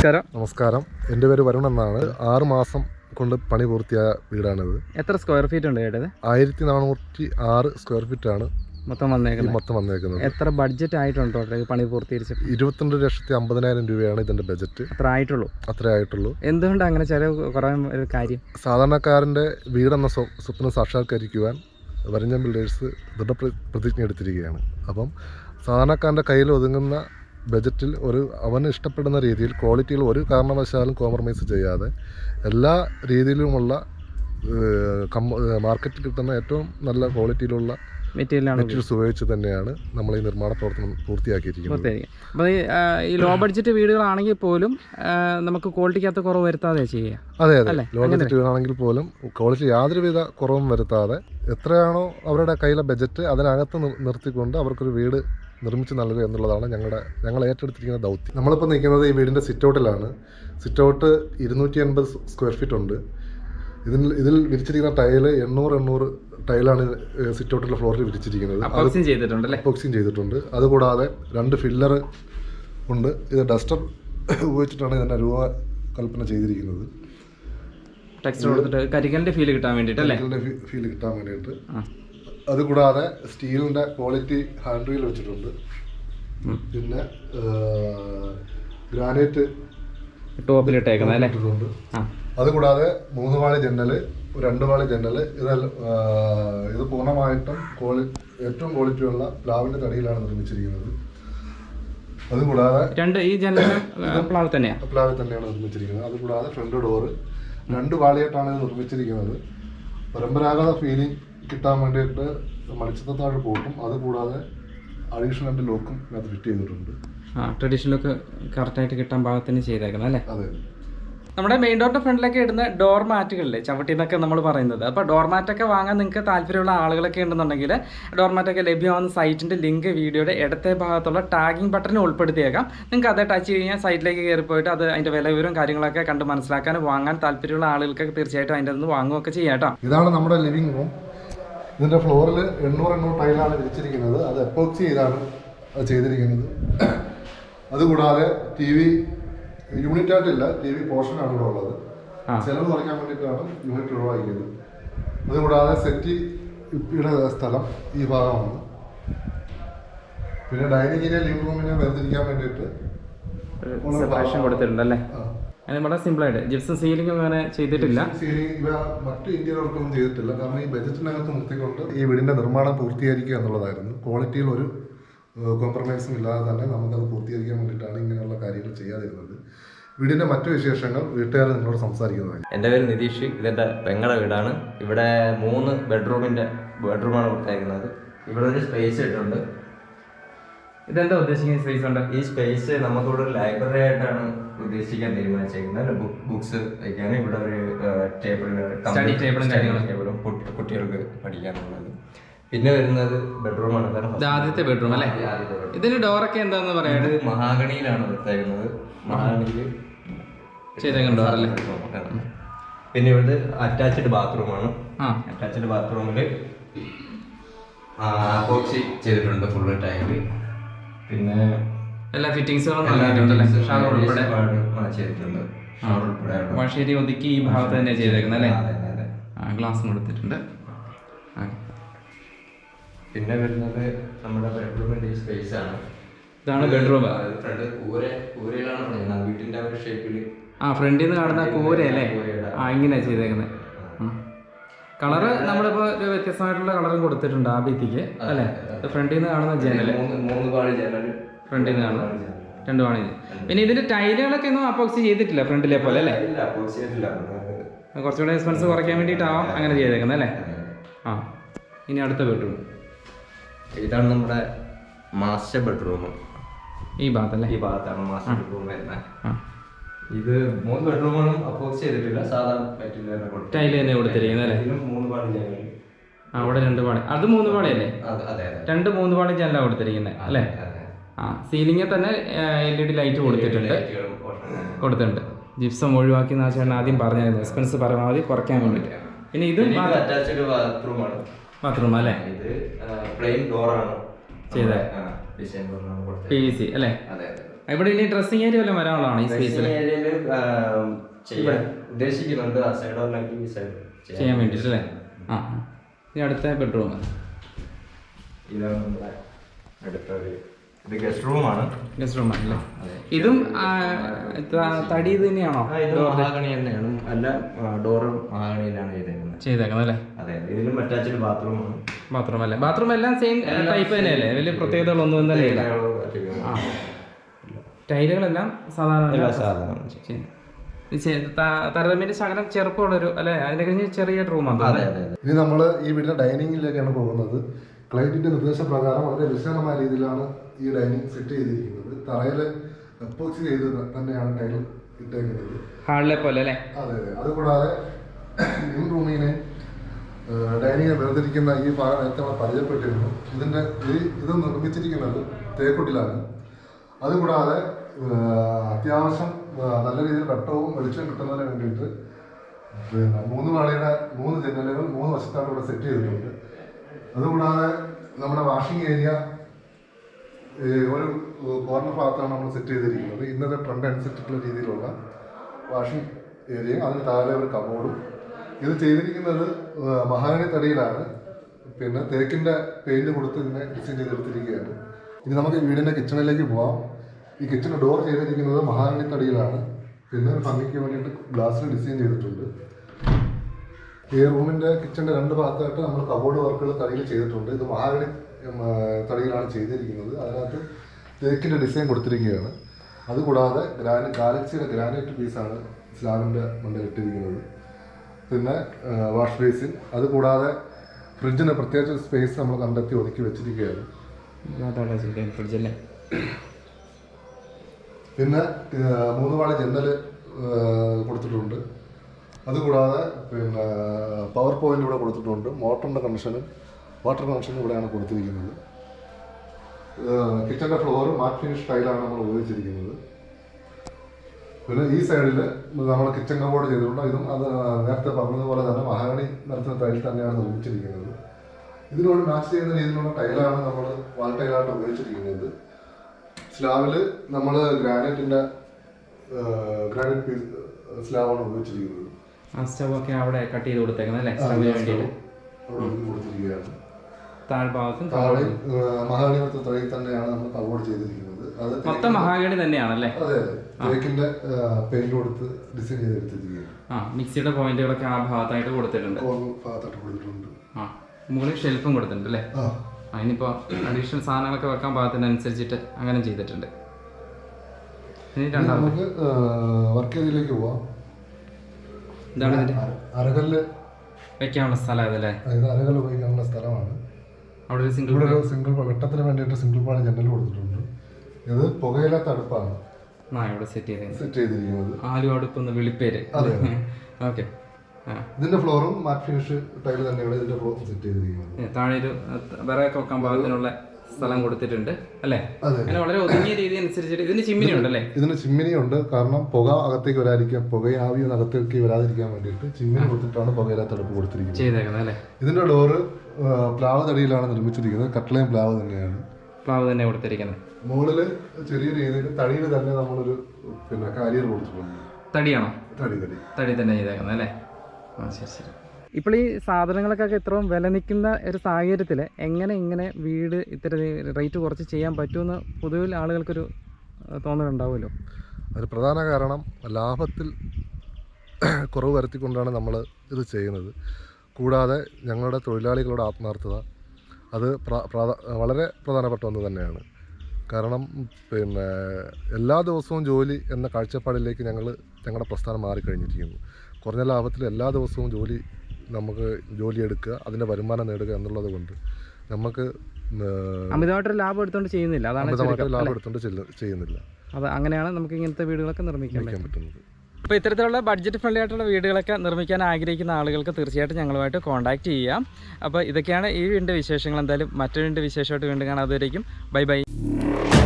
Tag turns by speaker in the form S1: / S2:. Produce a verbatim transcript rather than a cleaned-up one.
S1: നമസ്കാരം.
S2: നമസ്കാരം. എൻ്റെ പേര് വരുൺ എന്നാണ്. ആറ് മാസം കൊണ്ട് പണി പൂർത്തിയായ വീടാണിത്.
S1: എത്ര സ്ക്വയർ ഫീറ്റ് ഉണ്ട് കേട്ടത്?
S2: ആയിരത്തി നാനൂറ്റി ആറ് സ്ക്വയർ ഫീറ്റ് ആണ്
S1: മൊത്തം വന്നേക്കുന്നത്.
S2: മൊത്തം വന്നേക്കുന്നത്.
S1: എത്ര ബഡ്ജറ്റ് ആയിട്ടുണ്ടോ പണി പൂർത്തീകരിച്ച്?
S2: ഇരുപത്തിരണ്ട് ലക്ഷത്തി അമ്പതിനായിരം രൂപയാണ് ഇതിന്റെ ബജറ്റ്.
S1: അത്ര ആയിട്ടുള്ളൂ?
S2: അത്രേ ആയിട്ടുള്ളൂ.
S1: എന്തുകൊണ്ട് അങ്ങനെ ചെലവ് കുറയാൻ ഒരു കാര്യം?
S2: സാധാരണക്കാരൻ്റെ വീടെന്ന സ്വപ്നം സാക്ഷാത്കരിക്കുവാൻ വരഞ്ഞം ബിൽഡേഴ്സ് ദൃഢപ്രതിജ്ഞ എടുത്തിരിക്കുകയാണ്. അപ്പം സാധാരണക്കാരൻ്റെ കയ്യിൽ ഒതുങ്ങുന്ന ബജറ്റിൽ ഒരു അവന് ഇഷ്ടപ്പെടുന്ന രീതിയിൽ ക്വാളിറ്റിയിൽ ഒരു കാരണവശാലും കോംപ്രമൈസ് ചെയ്യാതെ എല്ലാ രീതിയിലുമുള്ള മാർക്കറ്റിൽ കിട്ടുന്ന ഏറ്റവും നല്ല ക്വാളിറ്റിയിലുള്ള മെറ്റീരിയൽസ് ഉപയോഗിച്ച് തന്നെയാണ് നമ്മൾ ഈ നിർമ്മാണ പ്രവർത്തനം പൂർത്തിയാക്കിയിരിക്കുന്നത്.
S1: അപ്പോൾ ഈ ലോ ബഡ്ജറ്റ് വീടുകളാണെങ്കിൽ പോലും നമുക്ക് ക്വാളിറ്റിക്കകത്ത് കുറവ് വരുത്താതെ ചെയ്യുക.
S2: അതെ അതെ ലോ ബഡ്ജറ്റ് വീടാണെങ്കിൽ പോലും ക്വാളിറ്റി യാതൊരുവിധ കുറവും വരുത്താതെ എത്രയാണോ അവരുടെ കയ്യിലെ ബജറ്റ് അതിനകത്ത് നിർത്തിക്കൊണ്ട് അവർക്കൊരു വീട് നിർമ്മിച്ച് നൽകുക എന്നുള്ളതാണ് ഞങ്ങളുടെ ഞങ്ങൾ ഏറ്റെടുത്തിരിക്കുന്ന ദൗത്യം. നമ്മളിപ്പോൾ നിൽക്കുന്നത് ഈ വീടിൻ്റെ സിറ്റൗട്ടിലാണ്. സിറ്റൗട്ട് ഇരുന്നൂറ്റി എൺപത് സ്ക്വയർ ഫീറ്റ് ഉണ്ട്. ഇതിൽ ഇതിൽ വിരിച്ചിരിക്കുന്ന ടൈല് എണ്ണൂറ് എണ്ണൂറ് ടൈലാണ് സിറ്റൗട്ടിലെ ഫ്ലോറിൽ വിരിച്ചിരിക്കുന്നത്. അപ്പോക്സിങ് ചെയ്തിട്ടുണ്ട്. അതുകൂടാതെ രണ്ട് ഫില്ലർ ഉണ്ട്. ഇത് ഡസ്റ്റർ ഉപയോഗിച്ചിട്ടാണ് ഇതിൻ്റെ രൂപകൽപ്പന ചെയ്തിരിക്കുന്നത്.
S1: കരിക്കലിൻ്റെ ഫീൽ കിട്ടാൻ വേണ്ടിയിട്ട്
S2: ഫീൽ കിട്ടാൻ വേണ്ടിയിട്ട് അതുകൂടാതെ സ്റ്റീലിൻ്റെ ക്വാളിറ്റി ഹാൻഡ് റീൽ വെച്ചിട്ടുണ്ട്. പിന്നെ ഗ്രാനൈറ്റ് ടോപ്പിലിട്ടേക്കുന്നുണ്ട്. അതുകൂടാതെ മൂന്ന് വാളി ജനൽ, രണ്ട് വാളി ജനൽ, ഇതെല്ലാം ഇത് പൂർണ്ണമായിട്ടും ക്വാളി ഏറ്റവും ക്വാളിറ്റിയുള്ള പ്ലാവിൻ്റെ തടിയിലാണ് നിർമ്മിച്ചിരിക്കുന്നത്. അതുകൂടാതെ
S1: രണ്ട് ഈ ജനൽ പ്ലാവ് തന്നെയാണ്
S2: പ്ലാവിൽ തന്നെയാണ് നിർമ്മിച്ചിരിക്കുന്നത്. അതുകൂടാതെ ഫ്രണ്ട് ഡോറ് രണ്ട് വാളിയായിട്ടാണ് ഇത് നിർമ്മിച്ചിരിക്കുന്നത്. പരമ്പരാഗത ഫീലിംഗ് കിട്ടാൻ വേണ്ടിയിട്ട് മണിച്ചിത്രത്താഴ് പോട്ടും അതുകൂടാതെ അഡീഷണൽ രണ്ട് ലോക്കും അത് ഫിറ്റ് ചെയ്തിട്ടുണ്ട്.
S1: ആ ട്രഡീഷണൽ ലുക്ക് കറക്റ്റായിട്ട് കിട്ടാൻ പാകത്തിന് ചെയ്തേക്കുന്നത് അല്ലേ?
S2: അതെ.
S1: നമ്മുടെ മെയിൻ ഡോറിൻ്റെ ഫ്രണ്ടിലൊക്കെ ഇടുന്ന ഡോർ മാറ്റുകളില്ലേ, ചവിട്ടി എന്നൊക്കെ നമ്മൾ പറയുന്നത്. അപ്പോൾ ഡോർ മാറ്റൊക്കെ വാങ്ങാൻ നിങ്ങൾക്ക് താല്പര്യമുള്ള ആളുകളൊക്കെ ഉണ്ടെന്നുണ്ടെങ്കിൽ ഡോർ മാറ്റൊക്കെ ലഭ്യമാകുന്ന സൈറ്റിൻ്റെ ലിങ്ക് വീഡിയോയുടെ ഇടത്തെ ഭാഗത്തുള്ള ടാഗിങ് ബട്ടൺ ഉൾപ്പെടുത്തിയേക്കാം. നിങ്ങൾക്ക് അത് ടച്ച് കഴിഞ്ഞാൽ സൈറ്റിലേക്ക് കയറി പോയിട്ട് അത് അതിൻ്റെ വില വിവരവും കാര്യങ്ങളൊക്കെ കണ്ട് മനസ്സിലാക്കാൻ വാങ്ങാൻ താല്പര്യമുള്ള ആളുകൾക്ക് തീർച്ചയായിട്ടും അതിൻ്റെ നിന്ന് വാങ്ങുകയൊക്കെ ചെയ്യാം കേട്ടോ.
S2: ഇതാണ് നമ്മുടെ ലിവിംഗ് റൂം. ഇതിൻ്റെ ഫ്ലോറിൽ എണ്ണൂറ് എണ്ണൂറ് ടൈലാണ് വിരിച്ചിരിക്കുന്നത്. അത് എപ്പോക്സി ചെയ്താണ് അത് ചെയ്തിരിക്കുന്നത്. അതുകൂടാതെ ടി വി യൂണിറ്റ് ആയിട്ടില്ല, ടി വി പോർഷനാണ് ഇവിടെ ഉള്ളത്. ചെലവ് കുറയ്ക്കാൻ വേണ്ടിയിട്ടാണ് യൂണിറ്റ് ഒഴിവാക്കിയത്. അതുകൂടാതെ സെറ്റ് ഇവിടെ സ്ഥലം ഈ ഭാഗമാണ്. പിന്നെ ഡൈനിങ്ങിനെ ലിവിംഗ് റൂമിനെ വേർതിരിക്കാൻ വേണ്ടിയിട്ട്
S1: സെപ്പറേഷൻ കൊടുത്തിട്ടുണ്ടല്ലേ? വളരെ സിമ്പിളായിട്ട് ജിപ്സം സീലിംഗ് അങ്ങനെ ചെയ്തിട്ടില്ല.
S2: സീലിംഗ് ഇവ മറ്റു ഇന്ത്യൻ വർക്കൊന്നും ചെയ്തിട്ടില്ല. കാരണം ഈ ബജറ്റിനകത്ത് നിർത്തിക്കൊണ്ട് ഈ വീടിന്റെ നിർമ്മാണം പൂർത്തീകരിക്കുക എന്നുള്ളതായിരുന്നു. ക്വാളിറ്റിയിൽ ഒരു കോംപ്രമൈസും ഇല്ലാതെ തന്നെ നമുക്കത് പൂർത്തീകരിക്കാൻ വേണ്ടിയിട്ടാണ് ഇങ്ങനെയുള്ള കാര്യങ്ങൾ ചെയ്യാതിരുന്നത്. വീടിന്റെ മറ്റു വിശേഷങ്ങൾ വീട്ടുകാർ നിങ്ങളോട് സംസാരിക്കുന്നതാണ്.
S3: എൻ്റെ പേര് നിതീഷ്. ഇതെൻ്റെ പെങ്ങളുടെ വീടാണ്. ഇവിടെ മൂന്ന് ബെഡ്റൂമിൻ്റെ ബെഡ്റൂമാണ് കൊടുത്തേക്കുന്നത്. ഇവിടെ ഒരു സ്പേസ് ഇട്ടുണ്ട്.
S1: ഇതെന്താ ഉദ്ദേശിക്കുന്ന സ്പേസ് ഉണ്ട്?
S3: ഈ സ്പേസ് നമുക്കിവിടെ ഒരു ലൈബ്രറി ആയിട്ടാണ് ഉദ്ദേശിക്കാൻ തീരുമാനിച്ചേക്കുന്നത്. ബുക്സ് വയ്ക്കാൻ ഇവിടെ ഒരു ടേബിൾ
S1: സ്റ്റഡി ടേബിളും
S3: ടേബിളും കുട്ടികൾക്ക് പഠിക്കാനുള്ളത്. പിന്നെ വരുന്നത് ബെഡ്റൂമാണ്.
S1: ആദ്യത്തെ ബെഡ്റൂം അല്ലേ? ഇതിന് ഡോറൊക്കെ എന്താന്ന് പറയാം?
S3: ഇത് മഹാഗണിയിലാണ് വെച്ചേക്കുന്നത്. മഹാഗണിയിൽ
S1: ചെയ്തേക്കുന്ന ഡോറല്ലേ?
S3: പിന്നെ ഇവിടെ അറ്റാച്ച്ഡ് ബാത്റൂമാണ്. അറ്റാച്ച്ഡ് ബാത്റൂമിൽ അപ്പോക്സി ചെയ്തിട്ടുണ്ട് ഫുള്ള് ടൈല്. പിന്നെ
S1: എല്ലാ ഫിറ്റിംഗ്സുകളും
S3: ചെയ്തിട്ടുണ്ട്.
S1: വാഷേരി ഒതുക്കി ഈ ഭാഗത്ത് തന്നെ ചെയ്തേക്കുന്നത് അല്ലേ? ഗ്ലാസ് കൊടുത്തിട്ടുണ്ട്.
S3: പിന്നെ വരുന്നത് നമ്മുടെ ബെഡ്റൂമിന്റെ ഈ സ്പേസ് ആണ്.
S1: ഇതാണ് ബെഡ്റൂം.
S3: ഫ്രണ്ട് കൂര കൂരയിലാണ് പണിയുന്നത്. വീട്ടിന്റെ ഒരു ഷേപ്പില്
S1: ആ ഫ്രണ്ടിൽ നിന്ന് കാണുന്ന കൂര അല്ലേ? ആ ഇങ്ങനെയാ ചെയ്തേക്കുന്നത്. കളറ് നമ്മളിപ്പോ ഒരു വ്യത്യസ്തമായിട്ടുള്ള കളറും കൊടുത്തിട്ടുണ്ട് ആ ഭിത്തിക്ക് അല്ലേ? ഫ്രണ്ടിൽ നിന്ന് കാണുന്ന ജനല്,
S3: മൂന്ന് പാളി ജനല്
S1: ഫ്രണ്ടിൽ നിന്ന് കാണുന്ന രണ്ട് പാളി. പിന്നെ ഇതിന്റെ ടൈലുകളൊക്കെ ഒന്നും അപ്പോക്സി ചെയ്തിട്ടില്ല ഫ്രണ്ടിലെ പോലെ അല്ലേ? കുറച്ചുകൂടെ എക്സ്പെൻസ് കുറയ്ക്കാൻ വേണ്ടിയിട്ടാവാം അങ്ങനെ ചെയ്തേക്കുന്നത് അല്ലേ? ആ ഇനി അടുത്ത ബെഡ്റൂം.
S3: ഇതാണ് നമ്മുടെ മാസ്റ്റർ ബെഡ്റൂം.
S1: ഈ ഭാഗത്തല്ലേ?
S3: ഈ ഭാഗത്താണ് മാസ്റ്റർ ബെഡ്റൂം വരുന്നത്. ഇത് മൂന്ന് ബെഡ്റൂമുകളും അപ്പോക്സി ചെയ്തിട്ടില്ല, സാധാരണ
S1: ടൈല് തന്നെ കൊടുത്തിരിക്കുന്നത് അല്ലേ?
S3: മൂന്ന് പാളി ജനൽ.
S1: അവിടെ രണ്ട് പാളി. അത് മൂന്ന് പാളിയല്ലേ? രണ്ട് മൂന്ന് പാളി ജനലാണ് കൊടുത്തിരിക്കുന്നത് അല്ലേ? ആ സീലിംഗിൽ തന്നെ എൽ ഇ ഡി ലൈറ്റ് കൊടുത്തിട്ടുണ്ട് കൊടുത്തിട്ടുണ്ട് ജിപ്സം ഒഴിവാക്കി ചേട്ടൻ ആദ്യം പറഞ്ഞായിരുന്നു. എക്സ്പെൻസ് പരമാവധി കുറയ്ക്കാൻ വേണ്ടിയിട്ട്. പിന്നെ ഇത്
S3: അറ്റാച്ച്ഡ് ബാത്റൂമാണ്.
S1: ബാത്റൂം അല്ലേ?
S3: ഇത് പ്ലെയിൻ ഡോറാണ്
S1: ചെയ്തത്. പി വി സി അല്ലേ?
S3: അതെ അതെ.
S1: ഇവിടെ ഇനി ഡ്രസ്സിംഗ് ഏരിയ വല്ലതും വരാനുള്ളതാണ് ഈ സ്പേസിൽ
S3: ഏരിയയിൽ ചെയ്യാൻ ഉദ്ദേശിക്കുന്നുണ്ട്. ആ സൈഡ് ഒന്നെങ്കിൽ ഈ സൈഡ്
S1: ചെയ്യാൻ വേണ്ടിയിട്ട് അല്ലേ? ആ ഇനി അടുത്ത ബെഡ്റൂം.
S3: ഇതാണ് നമ്മുടെ അടുത്തൊരു ഇത് ഗസ്റ്റ് റൂമാണ്.
S1: ഗസ്റ്റ് റൂം ആണല്ലേ? ഇതും തടി ഇത് തന്നെയാണോ?
S3: ഇത് മഹാഗണി തന്നെയാണ്. അല്ല ഡോറും മഹാഗണിയിലാണ് ചെയ്തേക്കുന്നത്
S1: ചെയ്തേക്കുന്നത് അല്ലേ?
S3: അതെ. ഇതിലും അറ്റാച്ച്ഡ് ബാത്റൂമാണ്.
S1: ബാത്റൂം അല്ലേ? ബാത്റൂം എല്ലാം സെയിം ടൈപ്പ് തന്നെയല്ലേ? വലിയ പ്രത്യേകതകളൊന്നും തന്നെ ഇല്ല. ആ ടൈലുകളെല്ലാം സാധാരണ
S3: സാധാരണ
S1: താരതമ്യേന ശകലം ചെറുപ്പമുള്ളൊരു അല്ലെ? അതിനെ കഴിഞ്ഞ് ചെറിയ റൂമാണ്.
S3: അതെ അതെ അതെ.
S2: ഇനി നമ്മൾ ഈ വീടിന്റെ ഡൈനിങ്ങിലേക്കാണ് പോകുന്നത്. ക്ലയന്റിന്റെ നിർദ്ദേശപ്രകാരം വളരെ വിശാലമായ രീതിയിലാണ് ഈ ഡൈനിങ് സെറ്റ് ചെയ്തിരിക്കുന്നത്. തറയിൽ എപ്പോക്സി ചെയ്ത് തന്നെയാണ് ടൈൽ ഇട്ടേക്കുന്നത്.
S1: ഹാളിലെ പോലെ അല്ലേ?
S2: അതെ അതെ. അതുകൂടാതെ ഈ റൂമിനെ ഡൈനിങ് വേർതിരിക്കുന്ന ഈ ഭാഗം നേരത്തെ നമ്മൾ പരിചയപ്പെട്ടിരുന്നു. ഇതിന്റെ ഈ ഇത് നിർമ്മിച്ചിരിക്കുന്നത് തേക്കുട്ടിലാണ്. അതുകൂടാതെ അത്യാവശ്യം നല്ല രീതിയിൽ വെട്ടവും വെളിച്ചവും കിട്ടുന്നതിന് വേണ്ടിയിട്ട് പിന്നെ മൂന്ന് പാളിയുടെ മൂന്ന് ജനലുകൾ മൂന്ന് വശത്താണ് ഇവിടെ സെറ്റ് ചെയ്തിട്ടുണ്ട്. അതുകൂടാതെ നമ്മുടെ വാഷിംഗ് ഏരിയ ഒരു കോർണർ ഭാഗത്താണ് നമ്മൾ സെറ്റ് ചെയ്തിരിക്കുന്നത്. ഇന്നത്തെ ട്രെൻഡ് അനുസരിച്ചിട്ടുള്ള രീതിയിലുള്ള വാഷിംഗ് ഏരിയ, അതിന് താഴെ ഒരു കബോർഡും. ഇത് ചെയ്തിരിക്കുന്നത് മഹാഗണി തടിയിലാണ്. പിന്നെ തേക്കിൻ്റെ പെയിൻറ് കൊടുത്ത് ഇതിനെ ഡിസൈൻ ചെയ്തെടുത്തിരിക്കുകയാണ്. ഇനി നമുക്ക് വീടിൻ്റെ കിച്ചണിലേക്ക് പോവാം. ഈ കിച്ചൺ ഡോർ ചെയ്തിരിക്കുന്നത് മഹാഗണി തടിയിലാണ്. പിന്നെ ഒരു ഭംഗിക്ക് വേണ്ടിയിട്ട് ഗ്ലാസ്സിൽ ഡിസൈൻ ചെയ്തിട്ടുണ്ട്. ഈ റൂമിൻ്റെ കിച്ചണിൻ്റെ രണ്ട് ഭാഗത്തായിട്ട് നമ്മൾ കബോർഡ് വർക്കുകൾ തടിയിൽ ചെയ്തിട്ടുണ്ട്. ഇത് മഹാഗണി തടിയിലാണ് ചെയ്തിരിക്കുന്നത്. അതിനകത്ത് തേക്കിൻ്റെ ഡിസൈൻ കൊടുത്തിരിക്കുകയാണ്. അതുകൂടാതെ ഗ്രാനൈ ഗാലക്സിയുടെ ഗ്രാനൈറ്റ് പീസാണ് സ്ലാബിൻ്റെ മണ്ടയിൽ ഇട്ടിരിക്കുന്നത്. പിന്നെ വാഷ് ബേസിൻ, അതുകൂടാതെ ഫ്രിഡ്ജിന് പ്രത്യേകിച്ച് സ്പേസ് നമ്മൾ കണ്ടെത്തി ഒതുക്കി വെച്ചിരിക്കുകയാണ്.
S1: ഫ്രിഡ്ജല്ലേ?
S2: പിന്നെ മൂന്ന് പാളി ജനൽ കൊടുത്തിട്ടുണ്ട്. അതുകൂടാതെ പിന്നെ പവർ പോയിന്റ് ഇവിടെ കൊടുത്തിട്ടുണ്ട്. മോട്ടറിൻ്റെ കണക്ഷനും വാട്ടർ കണക്ഷനും ഇവിടെയാണ് കൊടുത്തിരിക്കുന്നത്. കിച്ചൻ്റെ ഫ്ലോർ മാറ്റ് ഫിനിഷ് ടൈലാണ് നമ്മൾ ഉപയോഗിച്ചിരിക്കുന്നത്. പിന്നെ ഈ സൈഡിൽ നമ്മൾ കിച്ചൺ കബോർഡ് ചെയ്തിട്ടുണ്ട്. ഇതും അത് നേരത്തെ പറഞ്ഞതുപോലെ തന്നെ മഹാഗണി നിറച്ച ടൈൽ തന്നെയാണ് നിർമ്മിച്ചിരിക്കുന്നത്. ഇതിനോട് മാച്ച് ചെയ്യുന്ന രീതിയിലുള്ള ടൈലാണ് നമ്മൾ വാൾ ടൈലായിട്ട് ഉപയോഗിച്ചിരിക്കുന്നത്. സ്ലാബിൽ നമ്മൾ ഗ്രാനൈറ്റിൻ്റെ ഗ്രാനൈറ്റ് പീസ് സ്ലാബാണ് ഉപയോഗിച്ചിരിക്കുന്നത്.
S1: ആ സ്റ്റവ് ഒക്കെ അവിടെ കട്ട് ചെയ്ത് കൊടുത്തേക്കുന്നത് അല്ലേ?
S2: കൊടുത്തിരിക്കുകയാണ്.
S1: താഴ്ഭാഗത്തും
S2: താഴെ മഹാഗണി തറയിൽ തന്നെയാണ് നമ്മൾ കബോർഡ് ചെയ്തിരിക്കുന്നത്. അത്
S1: മൊത്തം മഹാഗണി തന്നെയാണല്ലേ?
S2: അതെ അതെ. തേക്കിന്റെ പെയിന്റ് കൊടുത്ത് ഡിസൈൻ ചെയ്തെടുത്തിരിക്കുകയാണ്.
S1: ആ മിക്സിയുടെ പോയിന്റുകളൊക്കെ ആ ഭാഗത്തായിട്ട് കൊടുത്തിട്ടുണ്ട്.
S2: ഭാഗത്തായിട്ട് കൊടുത്തിട്ടുണ്ട്.
S1: ആ മുകളിൽ ഷെൽഫും കൊടുത്തിട്ടുണ്ട് അല്ലേ? ആ ഇനിയിപ്പോ അഡീഷണൽ സാധനങ്ങളൊക്കെ വെക്കാൻ പാകത്തിനനുസരിച്ചിട്ട് അങ്ങനെ ചെയ്തിട്ടുണ്ട്. ഇനി രണ്ടാമത്
S2: നമുക്ക് വർക്ക് ഏരിയയിലേക്ക് പോവാം.
S1: ഇതാണ് ഇതിന്റെ
S2: അരകല്ല്
S1: വെക്കാനുള്ള സ്ഥലം അതല്ലേ?
S2: ഇത് അരകല്ല് ഉപയോഗിക്കാനുള്ള സ്ഥലമാണ്.
S1: അവിടെ ഒരു സിംഗിൾ
S2: ഇവിടെ ഒരു സിംഗിൾ വെട്ടത്തിന് വേണ്ടിയിട്ട് സിംഗിൾ പാളി ജനൽ കൊടുത്തിട്ടുണ്ട്. ഇത് പുകയില്ലാത്ത അടുപ്പാണ്
S1: ആ ഇവിടെ സെറ്റ് ചെയ്ത്
S2: സെറ്റ് ചെയ്തിരിക്കുന്നത്.
S1: ആലു അടുപ്പെന്ന് വിളിപ്പേര്. ഓക്കെ.
S2: ഇതിന്റെ ഫ്ലോറും മാറ്റ് ഫിനിഷ് ടൈല് തന്നെയാണ് ഇതിന്റെ ഫ്ലോർ സെറ്റ് ചെയ്തിരിക്കുന്നത്.
S1: താഴെ ഒരു വിറകൊക്കെ വെക്കാൻ പാകത്തിനുള്ള സ്ഥലം കൊടുത്തിട്ടുണ്ട് അല്ലേ? അങ്ങനെ വളരെ ഒതുങ്ങിയ രീതി അനുസരിച്ചിട്ട് ഇതിന് ചിമ്മിനി ഉണ്ടല്ലേ?
S2: ഇതിന് ചിമ്മിനി ഉണ്ട്. കാരണം പുക അകത്തേക്ക് വരാതിരിക്കാൻ, പുക ആവി അകത്തേക്ക് വരാതിരിക്കാൻ വേണ്ടിയിട്ട് ചിമ്മിനി കൊടുത്തിട്ടാണ് പുകയില്ലാത്ത അടുപ്പ് കൊടുത്തിരിക്കുന്നത്
S1: ചെയ്തേക്കുന്നത് അല്ലേ?
S2: ഇതിന്റെ ഡോറ് പ്ലാവ് തടിയിലാണ് നിർമ്മിച്ചിരിക്കുന്നത്. കട്ട്ലയും പ്ലാവ് തന്നെയാണ്.
S1: പ്ലാവ് തന്നെ കൊടുത്തിരിക്കുന്നത്.
S2: മുകളില് ചെറിയ രീതിയിൽ തടിയിൽ തന്നെ നമ്മളൊരു പിന്നെ കാരിയർ കൊടുത്തിട്ടുണ്ട്.
S1: തടിയാണോ?
S2: തടി തടി
S1: തടി തന്നെ ചെയ്തേക്കുന്നത് അല്ലേ? ആ ശരി ശരി. ഇപ്പോൾ ഈ സാധനങ്ങൾക്കൊക്കെ ഇത്രയും വില നിൽക്കുന്ന ഒരു സാഹചര്യത്തിൽ എങ്ങനെ ഇങ്ങനെ വീട് ഇത്ര റേറ്റ് കുറച്ച് ചെയ്യാൻ പറ്റുമെന്ന് പൊതുവിൽ ആളുകൾക്കൊരു തോന്നലുണ്ടാവുമല്ലോ.
S2: ഒരു പ്രധാന കാരണം ലാഭത്തിൽ കുറവ് വരുത്തിക്കൊണ്ടാണ് നമ്മൾ ഇത് ചെയ്യുന്നത്. കൂടാതെ ഞങ്ങളുടെ തൊഴിലാളികളുടെ ആത്മാർത്ഥത അത് വളരെ പ്രധാനപ്പെട്ട ഒന്ന് തന്നെയാണ്. കാരണം പിന്നെ എല്ലാ ദിവസവും ജോലി എന്ന കാഴ്ചപ്പാടിലേക്ക് ഞങ്ങൾ ഞങ്ങളുടെ പ്രസ്ഥാനം മാറിക്കഴിഞ്ഞിരിക്കുന്നു. കുറഞ്ഞ ലാഭത്തിൽ എല്ലാ ദിവസവും ജോലി നമുക്ക് ജോലിയെടുക്കുക, അതിൻ്റെ വരുമാനം നേടുക എന്നുള്ളത് കൊണ്ട് നമുക്ക്
S1: അമിതമായിട്ടൊരു ലാഭം എടുത്തുകൊണ്ട് ചെയ്യുന്നില്ല. അതാണ്
S2: അമിതമായിട്ട് ലാഭം എടുത്തുകൊണ്ട് ചെയ്യുന്നില്ല.
S1: അത് അങ്ങനെയാണ് നമുക്ക് ഇങ്ങനത്തെ വീടുകളൊക്കെ നിർമ്മിക്കാൻ
S2: പറ്റുന്നത്.
S1: അപ്പോൾ ഇത്തരത്തിലുള്ള ബഡ്ജറ്റ് ഫ്രണ്ട്ലി ആയിട്ടുള്ള വീടുകളൊക്കെ നിർമ്മിക്കാൻ ആഗ്രഹിക്കുന്ന ആളുകൾക്ക് തീർച്ചയായിട്ടും ഞങ്ങളുമായിട്ട് കോൺടാക്റ്റ് ചെയ്യാം. അപ്പോൾ ഇതൊക്കെയാണ് ഈ വീടിൻ്റെ വിശേഷങ്ങൾ. എന്തായാലും മറ്റൊരു വീടിൻ്റെ വിശേഷമായിട്ട് വീണ്ടും കാണാം. അതുവരേക്കും ബൈ ബൈ.